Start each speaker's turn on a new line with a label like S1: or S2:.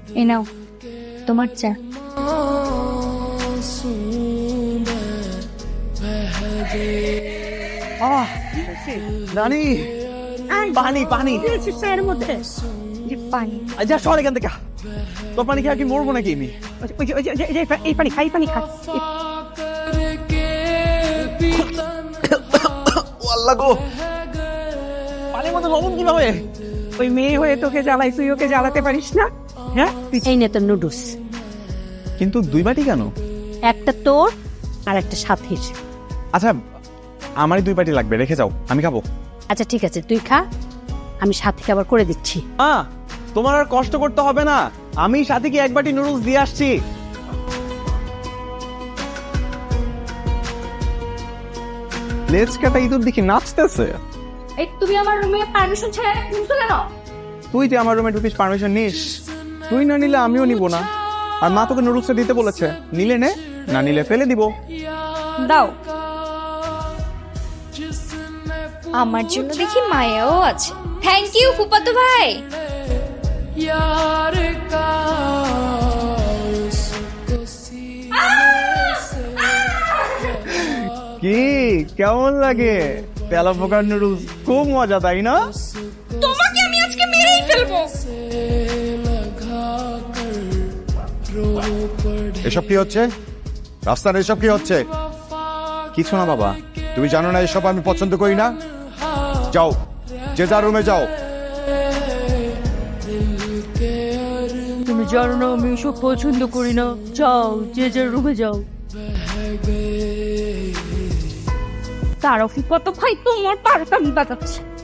S1: এই নাও তোমার চা।
S2: রানী পানি পানি
S1: চায়ের মধ্যে পানি।
S2: যা সর এখান থেকে। তোর পানি খেয়ে কি মরবো নাকি আমি?
S1: এই পানি খাই, পানি খা।
S2: আল্লাহ গো, পানির মধ্যে লবণ কিভাবে?
S1: ওই মেয়ে হয়ে তোকে জ্বালাই, তুই ওকে জ্বালাতে পারিস না? হ্যাঁ,
S3: এই নে তোর নুডলস,
S2: কিন্তু 2 বাটি কেন?
S3: একটা তোর আর একটা সাথীর।
S2: আচ্ছা আমারই 2 বাটি লাগবে, রেখে যাও, আমি খাবো।
S3: আচ্ছা ঠিক আছে, তুই খা, আমি সাথীকে আবার করে দিচ্ছি।
S2: তোমার আর কষ্ট করতে হবে না, আমি সাথে কি 1 বাটি নুডলস দিয়ে আসছি। লেজ কাটা ইঁদুর দেখি নাচতেছে।
S1: এই তুমি আমার রুমে পারমিশন ছাড়া ঢুকছো কেন?
S2: তুই যে আমার রুমে ঢুকিস পারমিশন নিস? তুই না নিলে আমিও নিব না। আর মা তোকে নুডলসটা দিতে বলেছে, নিলে নে, না নিলে ফেলে দিব।
S1: দাও। আমার জন্য দেখি মায়াও আছে। থ্যাংক ইউ ফুপাতো ভাই।
S2: কি কেমন লাগে? তেলা পোকার নুডলস খুব মজা, তাই না?
S1: তোমাকে আমি আজকে মেরেই ফেলবো।
S4: এসব কি হচ্ছে? রাস্তার এসব কি হচ্ছে?
S2: কিছু না বাবা।
S4: তুমি জানো না এসব আমি পছন্দ করি না? যাও, যে যার রুমে যাও।
S3: তুমি জানো না আমি এসব পছন্দ করি না, যাও যে যার রুমে যাও।
S1: তার ফুপাতো ভাই তোমার পারটা আমি বাজাচ্ছে।